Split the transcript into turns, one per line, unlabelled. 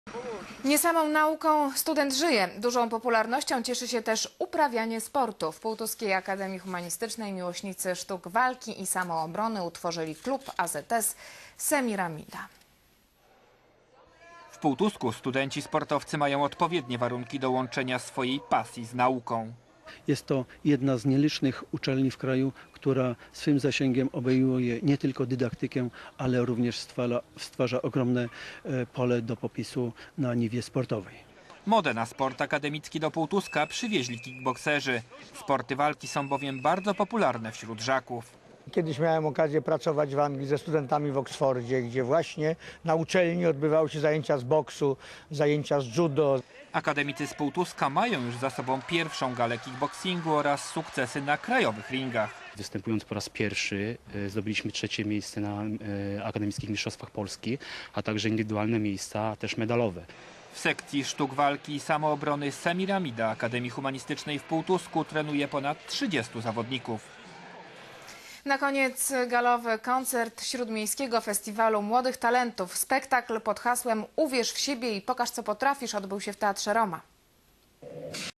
Nie samą nauką student żyje. Dużą popularnością cieszy się też uprawianie sportu. W Półtuskiej Akademii Humanistycznej miłośnicy sztuk walki i samoobrony utworzyli klub AZS Semiramida.
W Półtusku studenci sportowcy mają odpowiednie warunki do łączenia swojej pasji z nauką.
Jest to jedna z nielicznych uczelni w kraju, która swym zasięgiem obejmuje nie tylko dydaktykę, ale również stwarza ogromne pole do popisu na niwie sportowej.
Modę na sport akademicki do Półtuska przywieźli kickbokserzy. Sporty walki są bowiem bardzo popularne wśród żaków.
Kiedyś miałem okazję pracować w Anglii ze studentami w Oksfordzie, gdzie właśnie na uczelni odbywały się zajęcia z boksu, zajęcia z judo.
Akademicy z Półtuska mają już za sobą pierwszą galę kickboxingu oraz sukcesy na krajowych ringach.
Występując po raz pierwszy zdobyliśmy 3. miejsce na Akademickich Mistrzostwach Polski, a także indywidualne miejsca, a też medalowe.
W sekcji sztuk walki i samoobrony Semiramida Akademii Humanistycznej w Półtusku trenuje ponad 30 zawodników.
Na koniec galowy koncert Śródmiejskiego Festiwalu Młodych Talentów. Spektakl pod hasłem Uwierz w siebie i pokaż co potrafisz odbył się w Teatrze Roma.